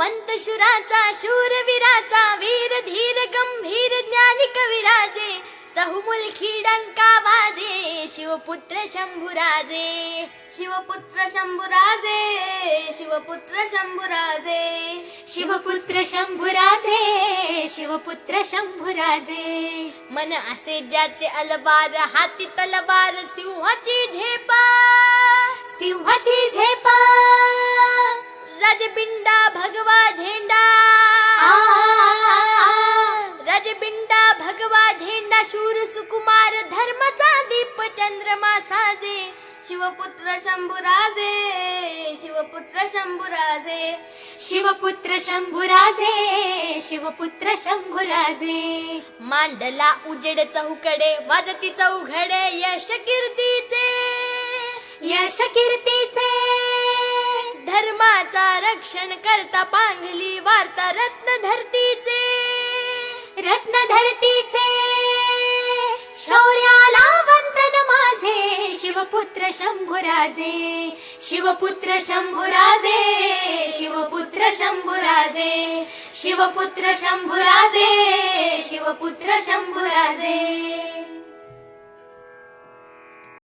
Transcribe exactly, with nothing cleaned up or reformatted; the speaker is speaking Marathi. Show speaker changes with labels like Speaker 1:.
Speaker 1: हिमवंत शुराचा शूरवीराचा वीर धीर गंभीर ज्ञानी कविराजे चहुमुलखी डंका वाजे शिवपुत्र शंभुराजे शिवपुत्र शंभुराजे शिवपुत्र शंभुराजे
Speaker 2: शिवपुत्र शंभुराजे शिवपुत्र शंभुराजे
Speaker 1: मन असे ज्याचे अलबार हाती तलवार सिंहाची झेपा
Speaker 2: सिंहाची झेपा
Speaker 1: राजबिंडा भगवा झेंडा राजबिंडा भगवा झेंडा शूर सुकुमार धर्माचा दीप चंद्रमा साजे शिवपुत्र शंभुराजे शिवपुत्र शंभुराजे
Speaker 2: शिवपुत्र शंभुराजे शिवपुत्र शंभुराजे
Speaker 1: मांडला उजेड चौकडे वाजती चौघडे यश कीर्तीचे
Speaker 2: यश कीर्तीचे
Speaker 1: धर्माचा रक्षण करता पांघली वार्ता रत्न धरतीचे
Speaker 2: रत्न धरतीचे शौर्याला वंदन माझे शिवपुत्र शंभुराजे शिवपुत्र शंभुराजे शिवपुत्र शंभुराजे शिवपुत्र शंभुराजे शिवपुत्र शंभुराजे